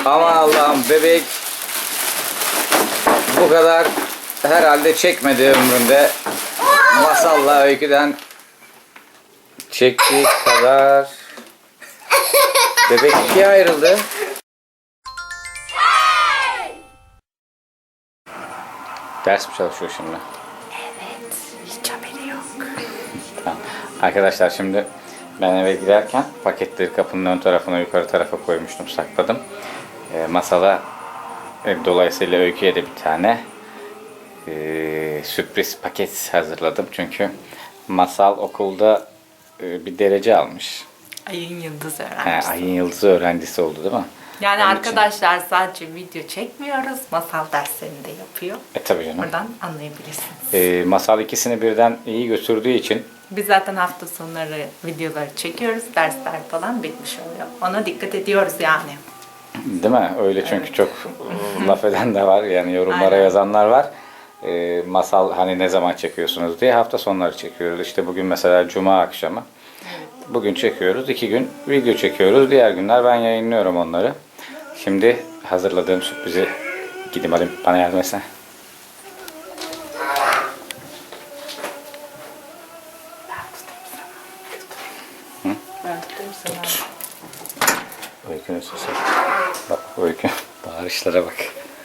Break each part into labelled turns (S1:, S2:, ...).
S1: Aman Allah'ım, bebek bu kadar herhalde çekmedi ömründe. Masalla öyküden çektiği kadar bebek ikiye ayrıldı. Ders mi çalışıyor şimdi?
S2: Evet, hiç haberi yok.
S1: Tamam. Arkadaşlar şimdi ben eve girerken paketleri kapının ön tarafına, yukarı tarafa koymuştum, sakladım. Masala dolayısıyla öyküye de bir tane sürpriz paket hazırladım. Çünkü Masal okulda bir derece almış.
S2: Ayın yıldız öğrencisi.
S1: Ayın yıldızı öğrencisi oldu değil mi?
S2: Yani
S1: Onun
S2: arkadaşlar sadece video çekmiyoruz. Masal derslerini de yapıyor.
S1: Tabii canım.
S2: Buradan anlayabilirsiniz.
S1: Masal ikisini birden iyi götürdüğü için
S2: Biz zaten hafta sonları videoları çekiyoruz. Dersler falan bitmiş oluyor. Ona dikkat ediyoruz yani.
S1: değil mi? Öyle çünkü
S2: Evet.
S1: çok laf eden de var. Yani yorumlara
S2: Aynen.
S1: yazanlar var. Masal hani ne zaman çekiyorsunuz diye hafta sonları çekiyoruz. İşte bugün mesela cuma akşamı. Bugün çekiyoruz. 2 gün video çekiyoruz. Diğer günler ben yayınlıyorum onları. Şimdi hazırladığım sürprizi gideyim alayım. Bana yardım etsene.
S2: Ben tutayım sana.
S1: Öykünün sesi. Bak Öykü. Bağırışlara bak.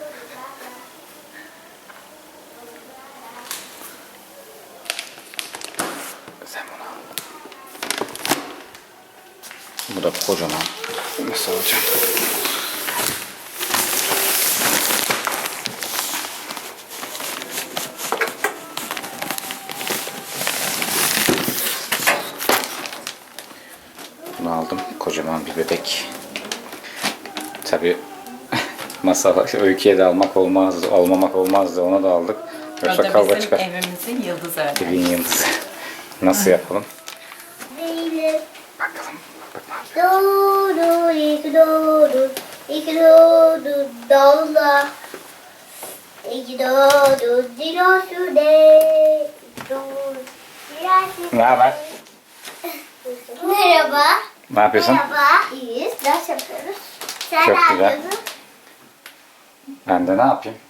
S1: Sen bunu al. Bu da kocaman. Nasıl alacağım? Bunu aldım. Kocaman bir bebek. Tabii Masal Öykü'ye de almak olmazdı, almamak olmazdı. Ona da aldık.
S2: O
S1: Yoksa
S2: da
S1: kavga
S2: bizim
S1: çıkar.
S2: evimizin yıldız öğrencisi.
S1: Evin yıldızı. Nasıl yapalım?
S3: Zeynep.
S1: Bakalım. Bak ne yapıyor?
S3: Doğdu, iki doğdu, dağla. İki doğdu, dilosu de. Doğdu,
S1: Ne haber?
S3: Merhaba.
S1: Ne yapıyorsun?
S3: Merhaba. İyiyiz. Ders yapıyoruz. Sen
S1: Çok
S3: ne
S1: güzel.
S3: yapıyorsun?
S1: Ben de ne yapayım?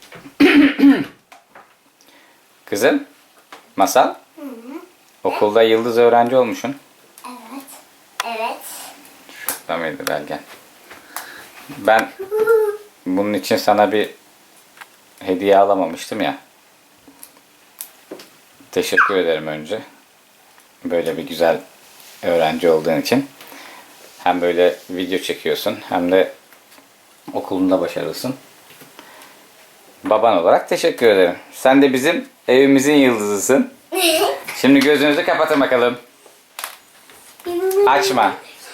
S1: Kızım, Masal. Okulda yıldız öğrenci olmuşsun.
S3: Evet. Evet.
S1: Şurada mıydı belgen? Ben bunun için sana bir hediye alamamıştım ya. Teşekkür ederim önce. Böyle bir güzel öğrenci olduğun için. Hem böyle video çekiyorsun hem de okulunda başarılısın. Baban olarak teşekkür ederim. Sen de bizim evimizin yıldızısın. Şimdi gözünüzü kapatın bakalım. Açma.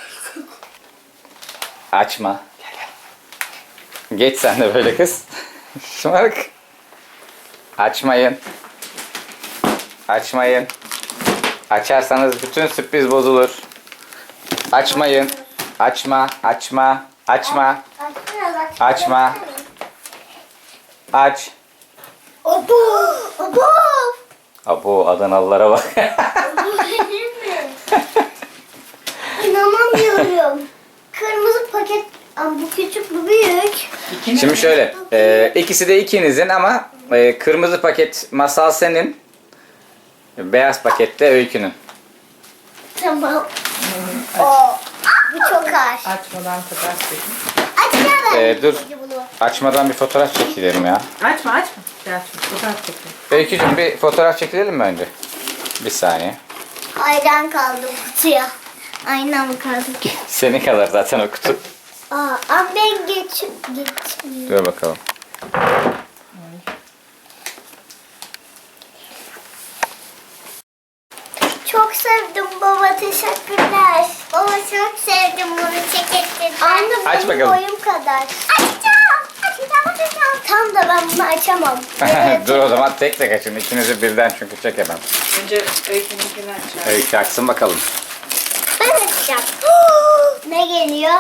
S1: Açma. Gel gel. Geç sen de böyle kız. Şımarık. Açmayın. Açmayın. Açarsanız bütün sürpriz bozulur. Açmayın. Açma. Açma. Açma. Açma. Aç.
S3: Obo! Obo!
S1: Abo Adanalılara bak.
S3: İnanamıyorum. Kırmızı paket. Ama bu küçük, bu büyük.
S1: Şimdi şöyle. İkisi de ikinizin ama kırmızı paket Masal senin. Beyaz pakette Öykü'nün.
S3: Tamam. O. Bu çok ağır.
S2: Açmadan fotoğraf çekin.
S3: Açma
S1: Dur. Açmadan bir fotoğraf çekilelim ya.
S2: Açma açma. Açma. Fotoğraf çekin.
S1: Öykücüğüm bir fotoğraf çekilelim mi önce? Bir saniye.
S3: Ayran kaldı kutuya. Ayna mı kaldı ki?
S1: Senin kadar zaten o kutu.
S3: Ama ben geçmiyorum.
S1: Dur bakalım.
S3: Çok sevdim baba, teşekkürler. Baba çok sevdim bunu, teşekkürler. Anne
S1: Aç
S3: benim
S1: bakalım.
S3: boyum kadar. Açacağım. Tam da ben bunu açamam.
S1: Dur o zaman tek tek açın. İkinizi birden çünkü çekemem.
S2: Önce öykününkini açacağım.
S1: Öykü açsın bakalım.
S3: Ben açacağım. Ne geliyor?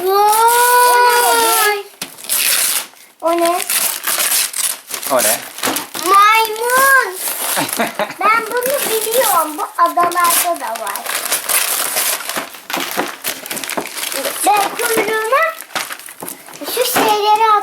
S3: Vay! O ne?
S1: O ne?
S3: Maymun. Ben bunu biliyorum. Bu adalarda da var. Ben kuyruğuna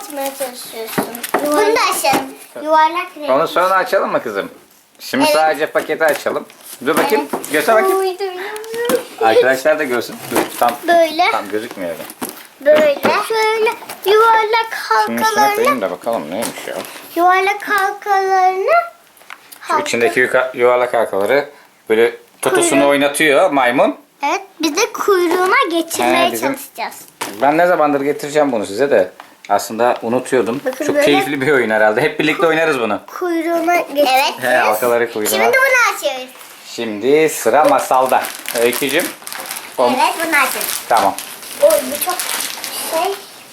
S3: açmaya çalışıyorsun? Bunu da açalım. Yuvarlak renk.
S1: Onu sonra açalım mı kızım? Şimdi
S3: Evet.
S1: sadece paketi açalım. Dur bakayım. Göster bakayım.
S3: Uydu.
S1: Arkadaşlar da görsün. Dur,
S3: Böyle.
S1: tam gözükmüyor.
S3: Böyle. Şöyle yuvarlak
S1: Şimdi üstüne koyayım
S3: halkalarını.
S1: da bakalım neymiş ya.
S3: Yuvarlak halkalarını.
S1: Şu içindeki yuvarlak halkaları böyle totusunu
S3: Kuyruğu.
S1: oynatıyor maymun.
S3: Evet. Biz de kuyruğuna geçirmeye
S1: He, bizim-
S3: çalışacağız.
S1: Ben ne zamandır getireceğim bunu size de. Aslında unutuyordum.
S3: Bakın
S1: Çok
S3: böyle.
S1: keyifli bir oyun herhalde. Hep birlikte oynarız bunu.
S3: Kuyruğuna geçireceğiz.
S1: He, halkaları kuyruğuna.
S3: Şimdi bunu açıyoruz.
S1: Şimdi sıra masalda. Öykücüm.
S3: Evet bunu açıyoruz.
S1: Tamam.
S3: Oy bu çok şey.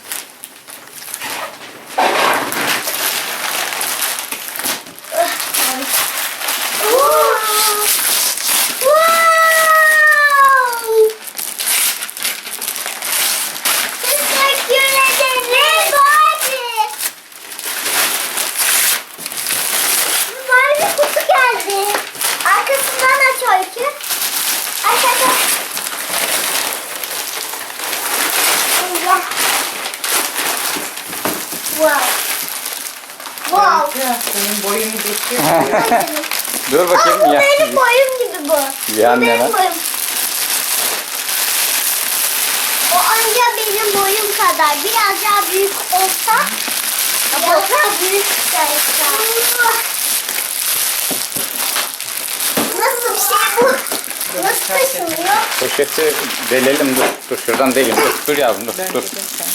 S3: Teşekkür ederim Barbie. Barbie kutu geldi. Arkasından aç Öykü. Aç aç aç. Allah. Wow. Wow.
S2: Senin boyunu geçiyor.
S1: Dur bakayım.
S3: Aa, bu
S1: ya.
S3: benim boyum gibi bu.
S1: Yan
S3: Bu benim
S1: yana.
S3: boyum. O anca benim boyum kadar. Biraz daha büyük olsa. Biraz daha büyük olsa. Nasıl bir şey bu? Nasıl taşınıyor?
S1: Poşeti delelim dur. Dur şuradan deleyim. Dur yavrum dur. Dur.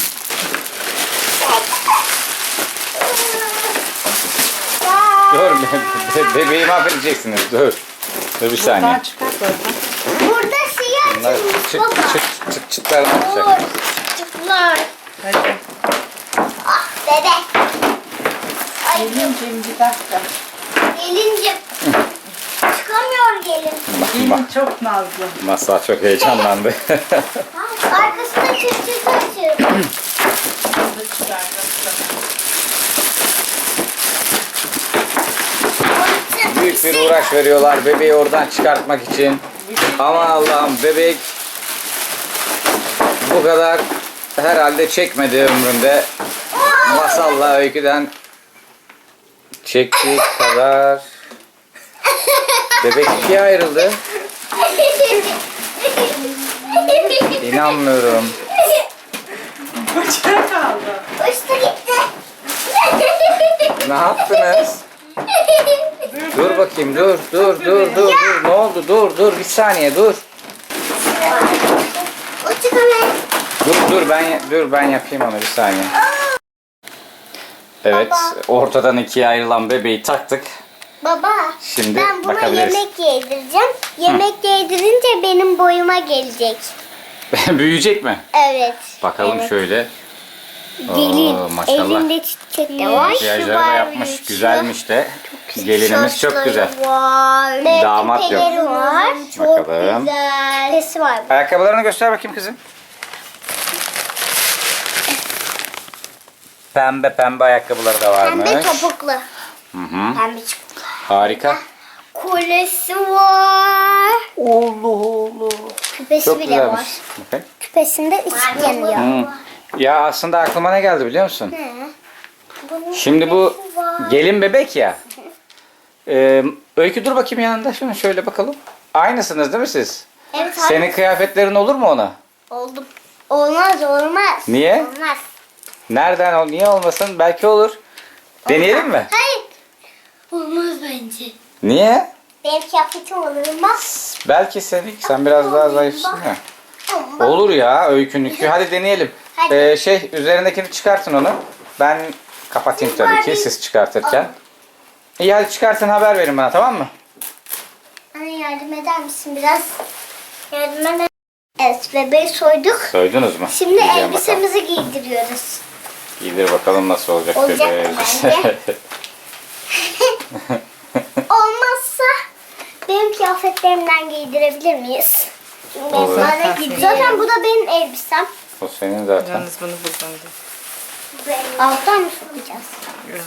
S1: Dur bebeği mahvedeceksiniz. Dur. Dur bir saniye.
S2: Buradan çıkart oradan.
S3: Burada şey
S1: Bunlar
S3: açılmış
S1: çıt
S3: baba.
S1: çıt çıtlarını atacak.
S3: Oo, çıtlar.
S2: Hadi.
S3: Ah bebek. Ay
S2: Gelincim bir dakika.
S3: gelincim. Çıkamıyor gelin.
S2: Gelin çok nazlı.
S1: Masal çok heyecanlandı.
S3: Arkasında çıt çıt açıyor.
S2: Hızlı çıkardım sana.
S1: Büyük bir uğraş veriyorlar bebeği oradan çıkartmak için. Ama Allah'ım bebek bu kadar herhalde çekmedi ömründe. Masalla öyküden çektiği kadar bebek ikiye ayrıldı. İnanmıyorum.
S2: Bıçak kaldı.
S3: Uçtu gitti.
S1: Ne yaptınız? Dur bakayım dur. Ne oldu? Dur bir saniye dur.
S3: Uçtu hemen.
S1: Dur ben yapayım onu bir saniye. Evet, ortadan ikiye ayrılan bebeği taktık.
S3: Baba,
S1: Şimdi
S3: ben buna
S1: bakabiliriz.
S3: yemek yedireceğim. Yemek yedirince benim boyuma gelecek.
S1: Büyüyecek mi?
S3: Evet.
S1: Bakalım
S3: Evet.
S1: şöyle.
S3: Gelin.
S1: Oo, maşallah.
S3: Elinde çiçek de var.
S1: Makyajları da yapmış. Güzelmiş de. Gelinimiz çok güzel.
S3: Var.
S1: Damat yok.
S3: Küpeleri var. Çok
S1: Bakalım.
S3: güzel. Küpesi var.
S1: Ayakkabılarını göster bakayım kızım. Pembe ayakkabıları da varmış.
S3: Pembe topuklu.
S1: Hı hı.
S3: Pembe topuklu.
S1: Harika.
S3: Kolesi var.
S1: Allah.
S3: Küpesi
S1: Çok
S3: bile
S1: güzelmiş.
S3: var.
S1: Bakın.
S3: Küpesinde ışık yanıyor.
S1: Hı. Ya aslında aklıma ne geldi biliyor musun?
S3: Bunun
S1: Şimdi bu
S3: küpesi var.
S1: gelin bebek ya. Öykü dur bakayım yanında. Şöyle bakalım. Aynısınız değil mi siz?
S3: Evet,
S1: Senin kıyafetlerin olur mu ona?
S3: oldu. Olmaz olmaz.
S1: Niye?
S3: Olmaz.
S1: Nereden? Niye olmasın? Belki olur. Deneyelim mi?
S3: Hayır. Olmaz bence.
S1: Niye?
S3: Benim kıyafetim olur mu?
S1: Belki sen biraz daha zayıfsın ya. Olur ya öykünükü. Hadi deneyelim.
S3: Hadi.
S1: Üzerindekini çıkartın onu. Ben kapatayım tabii ki siz çıkartırken. İyi hadi çıkartın haber verin bana tamam mı?
S3: Anne yardım eder misin biraz? Yardım eder. Evet bebeği soyduk.
S1: Soydunuz mu?
S3: Şimdi
S1: Giyeceğim
S3: elbisemizi giydiriyoruz.
S1: bakalım. Giydir bakalım nasıl olacak
S3: Olacak
S1: bebeğe.
S3: bence. Olmazsa benim kıyafetlerimden giydirebilir miyiz? Çünkü
S1: Olur.
S3: bana gidiyor. Zaten bu da benim elbisem.
S1: O senin zaten.
S2: Yalnız bunu buradan da.
S3: Alttan mı sokacağız?
S2: Evet.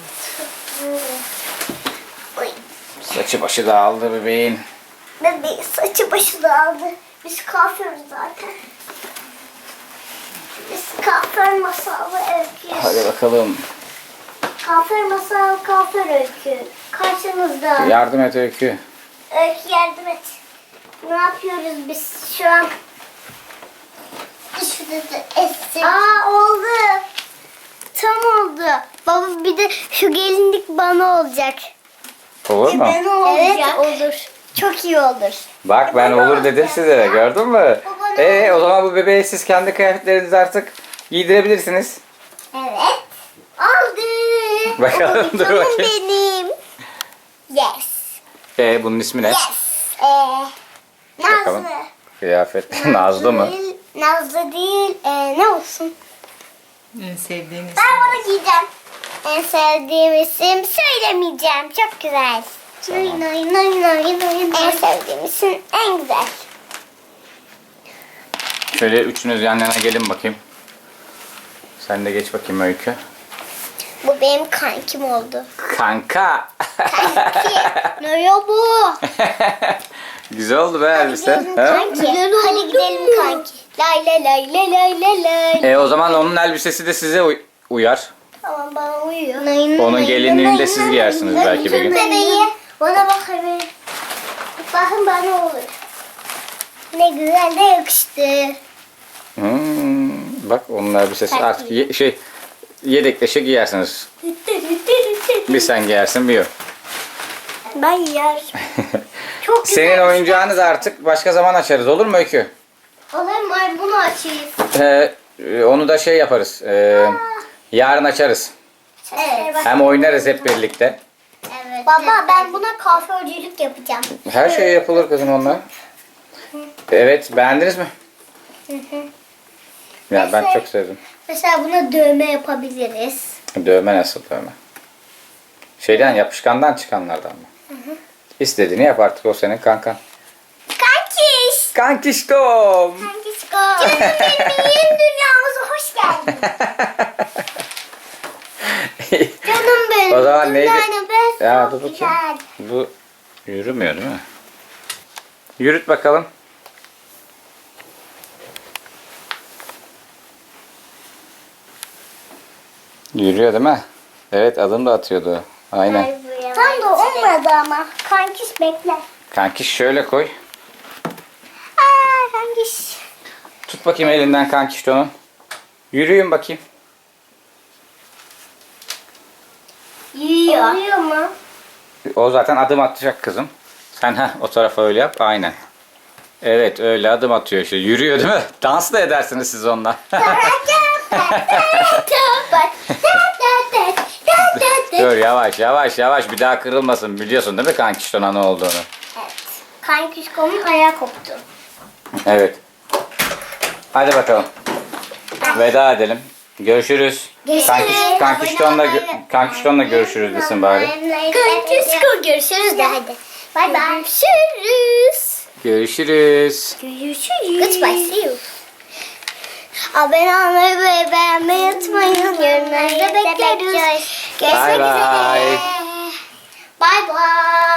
S3: Oy.
S1: Saçı başı dağıldı bebeğin.
S3: Bebeği saçı başı dağıldı. Biz kalkıyoruz zaten. Biz kalkar masalı öyküyüz.
S1: Hadi bakalım.
S3: Kafir masal, kafir öykü. Karşınızda.
S1: Yardım et Öykü.
S3: Öykü yardım et. Ne yapıyoruz biz şu an? Şurada essin. Oldu. Tam oldu. Baba bir de şu gelinlik bana olacak.
S1: Olur mu?
S3: Evet olur. Çok iyi olur.
S1: Bak ben olur dedim size de, gördün mü? O zaman bu bebeği siz kendi kıyafetlerinizi artık giydirebilirsiniz.
S3: Evet. Oldu.
S1: Bakalım, dur
S3: Canım
S1: bakayım.
S3: benim. Yes.
S1: Bunun ismi ne?
S3: Yes.
S1: Bakalım.
S3: Nazlı.
S1: Kıyafet. Nazlı mı?
S3: Değil, Nazlı değil. Ne olsun?
S2: En sevdiğiniz.
S3: Ben bunu giyeceğim. En sevdiğim isim söylemeyeceğim. Çok güzel. En sevdiğim isim en güzel.
S1: Şöyle üçünüz yan yana gelin bakayım. Sen de geç bakayım Öykü.
S3: Bu benim kankim oldu.
S1: Kanka.
S3: Ne ya bu?
S1: Güzel oldu be elbise.
S3: Gidelim
S1: Ha?
S3: kanki. Hadi gidelim kanki. Lay lay lay lay lay lay lay.
S1: O zaman onun elbisesi de size uyar.
S3: Tamam bana uyuyor.
S1: Onun gelinliğini de siz giyersiniz belki bir gün.
S3: Bebeği. Bana bak bebeği. Bakın bana olur. Ne güzel de yakıştı.
S1: Bak onun elbisesi artık yedekleşe giyersiniz. Bir sen giyersin bir o.
S3: Ben yer. Çok güzel.
S1: Senin oyuncağını da artık başka zaman açarız, olur mu Öykü?
S3: Olur mu? Ay, bunu açayım.
S1: Onu da yaparız. Yarın açarız.
S3: Evet.
S1: Hem oynarız hep birlikte.
S3: Evet. Baba ben buna kuaförcülük yapacağım.
S1: Her şey yapılır kızım onunla. Evet, beğendiniz mi? Ya ben çok sevdim.
S3: Mesela buna dövme yapabiliriz.
S1: Dövme nasıl dövme? Yapışkandan çıkanlardan mı? İstediğini yap artık, o senin kankan.
S3: Kankiş.
S1: Kankişkom.
S3: Kankişko. Canım benim, yeni dünyamıza hoş geldin. Canım benim.
S1: O zaman neydi?
S3: Ben
S1: Ya
S3: çok
S1: dur bakayım.
S3: güzel.
S1: Bu yürümüyor değil mi? Yürüt bakalım. Yürüyor değil mi? Evet, adım da atıyordu. Aynen.
S3: Tam da olmadı ama. Kankiş bekle.
S1: Kankiş şöyle koy.
S3: Kankiş.
S1: Tut bakayım elinden kankiş onu. Yürüyün bakayım.
S3: Yiyor. Oluyor mu?
S1: O zaten adım atacak kızım. Sen o tarafa öyle yap. Aynen. Evet, öyle adım atıyor işte. Yürüyor değil mi? Dans da edersiniz siz onunla. Dur, yavaş yavaş yavaş, bir daha kırılmasın. Biliyorsun değil mi kankiştona ne olduğunu?
S3: Evet. Kankişko'nun ayağı koptu.
S1: Evet. Hadi bakalım. Veda edelim. Görüşürüz.
S3: Görüşürüz.
S1: Kankiştonla görüşürüz desin bari.
S3: Kankişko görüşürüz de hadi. Bay bay. Görüşürüz.
S1: Görüşürüz.
S3: Görüşürüz. Goodbye. See you. Abone olmayı ve beğenmeyi unutmayın. Yorumlarınızı bekleriz. Görüşmek
S1: Bye
S3: üzere.
S1: bye.
S3: Bye bye.